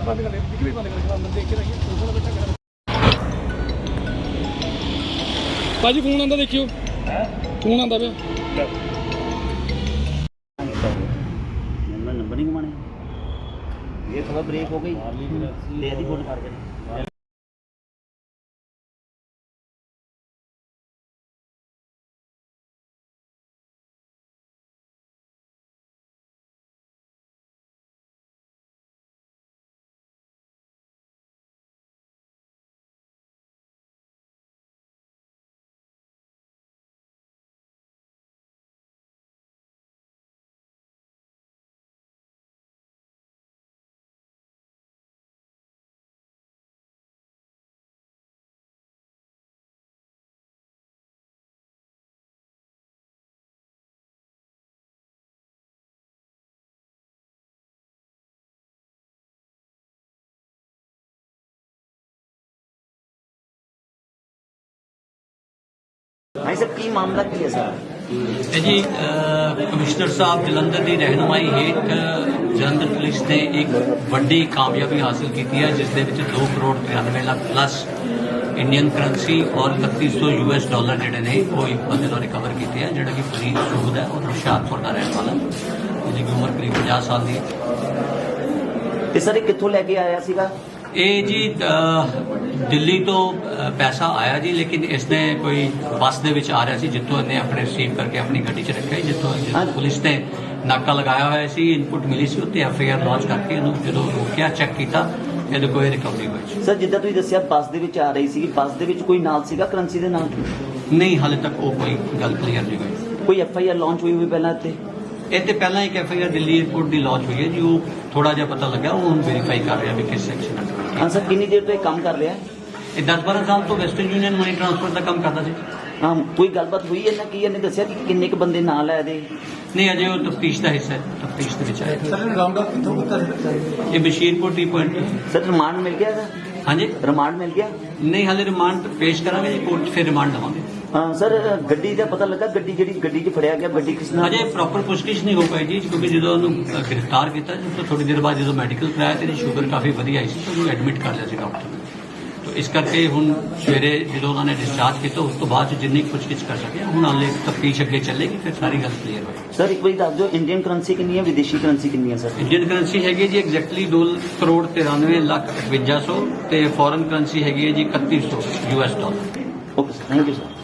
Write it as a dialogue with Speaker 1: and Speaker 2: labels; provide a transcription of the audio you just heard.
Speaker 1: बंद कर भी बंद कर अंदर देख के रहिए भाजी फोन आंदा देखियो फोन आंदा पे
Speaker 2: नंबर नहीं घुमाने ये थोड़ा ब्रेक हो गई ले दी फोन कर भाई साहब की मामला की है सर
Speaker 3: जी कमिश्नर साहब जलंधर की रहनुमाई हेठ जलंधर पुलिस ने एक वड्डी कामयाबी हासिल की है जिस 2 crore 93 lakh plus Indian currency और 3100 US डॉलर जोड़े ने वो एक बंदे को रिकवर किए हैं जोड़ा कि फरीद सूद है और हुशियारपुर का रहने वाला जिसकी उम्र करीब 50 साल की
Speaker 2: है। सर कितों लैके आया सीगा
Speaker 3: ये जी दिल्ली तो पैसा आया जी लेकिन इसने कोई बस दे विच आ रहा सी जितों इन्हें अपने रिसीव करके अपनी गड्डी च रखा जितों पुलिस ने नाका लगाया हुआ सी इनपुट मिली सी उत्ते FIR लॉन्च करके जो रोकिया चैक किया ये कोई रिकवरी हुई।
Speaker 2: सर जिद्दां तुसीं दस्सिया बस दे विच आ रही सी बस दे विच कोई नाल सीगा करंसी दे नाल
Speaker 3: नहीं हाले तक वो कोई गल क्लीयर नहीं हुई।
Speaker 2: कोई FIR लॉन्च हुई पहला इत्ते
Speaker 3: ਇਹ ਤੇ ਪਹਿਲਾਂ ਇੱਕ FIR ਦਿੱਲੀ 에ਅਰਪੋਰਟ ਦੀ ਲਾਂਚ ਹੋਈ ਹੈ ਜੀ ਉਹ ਥੋੜਾ ਜਿਹਾ ਪਤਾ ਲੱਗਾ ਉਹ ਹੁਣ ਵੈਰੀਫਾਈ ਕਰ ਰਿਹਾ ਵੀ ਕਿਸ ਸੈਕਸ਼ਨ ਅੰਡਰ।
Speaker 2: ਹਾਂ ਸਰ ਕਿੰਨੀ ਦੇਰ ਤੋਂ ਇਹ ਕੰਮ ਕਰ ਰਿਹਾ
Speaker 3: ਇਹ 10-12 ਸਾਲ ਤੋਂ ਵੈਸਟਰਨ ਯੂਨੀਅਨ ਮਨੀ ਟ੍ਰਾਂਸਫਰ ਦਾ ਕੰਮ ਕਰਦਾ ਸੀ।
Speaker 2: ਹਾਂ ਕੋਈ ਗੱਲਬਾਤ ਹੋਈ ਇਹਨਾਂ ਕੀ ਇਹਨੇ ਦੱਸਿਆ ਕਿ ਕਿੰਨੇ ਕੁ ਬੰਦੇ ਨਾਲ ਆਏ ਦੇ
Speaker 3: ਨਹੀਂ ਅਜੇ ਉਹ ਤਫਤੀਸ਼ ਦਾ ਹਿੱਸਾ ਹੈ ਤਫਤੀਸ਼ ਦੇ ਵਿੱਚ ਆਇਆ।
Speaker 1: सर राउंड अप कितों कितना
Speaker 3: ਇਹ Bashirpur T point
Speaker 2: sir remand ਮਿਲ ਗਿਆ ਇਹਦਾ
Speaker 3: ਹਾਂਜੀ
Speaker 2: ਰਿਮਾਂਡ ਮਿਲ ਗਿਆ
Speaker 3: ਨਹੀਂ ਹਾਲੇ ਰਿਮਾਂਡ ਪੇਸ਼ ਕਰਾਂਗੇ ਜੀ ਕੋਰਟ 'ਚ ਫਿਰ ਰਿਮਾਂਡ ਲਵਾਂਗੇ।
Speaker 2: ਹਾਂ ਸਰ ਗੱਡੀ ਦਾ ਪਤਾ ਲੱਗਾ ਗੱਡੀ ਜਿਹੜੀ ਗੱਡੀ 'ਚ ਫੜਿਆ ਗਿਆ ਗੱਡੀ ਕਿਸ ਨਾਲ
Speaker 3: ਅਜੇ ਪ੍ਰੋਪਰ ਪੁੱਛਗਿੱਛ ਨਹੀਂ ਹੋ ਪਾਈ ਜੀ ਕਿਉਂਕਿ ਜਦੋਂ ਉਹਨੂੰ ਗ੍ਰਿਫਤਾਰ ਕੀਤਾ ਤਾਂ ਥੋੜੀ ਦੇਰ ਬਾਅਦ ਜਦੋਂ ਮੈਡੀਕਲ ਕਰਾਇਆ ਤੇ ਇਹਦੀ ਸ਼ੂਗਰ ਕਾਫੀ ਵਧੀਆ ਆਈ ਸੀ ਤਾਂ ਉਹਨੂੰ ਐਡਮਿਟ ਕਰ ਲਿਆ ਸੀ ਡਾਕਟਰ ਨੇ। तो इस करके हुण सवेरे जो उन्होंने डिस्चार्ज किया उस तो बाद जिन्नी पुछगिछ कर सके हुण हाले तफ्तीश अगे चलेगी फिर सारी गल क्लीयर होगी।
Speaker 2: सर एक बार दस दो इंडियन करेंसी कितनी है विदेशी करेंसी कितनी है सर
Speaker 3: इंडियन करेंसी हैगी जी एग्जैक्टली 2 करोड़ 93 लाख 5100 ते फॉरेन करेंसी हैगी है जी 3100 US dollar.
Speaker 2: Okay sir thank you sir.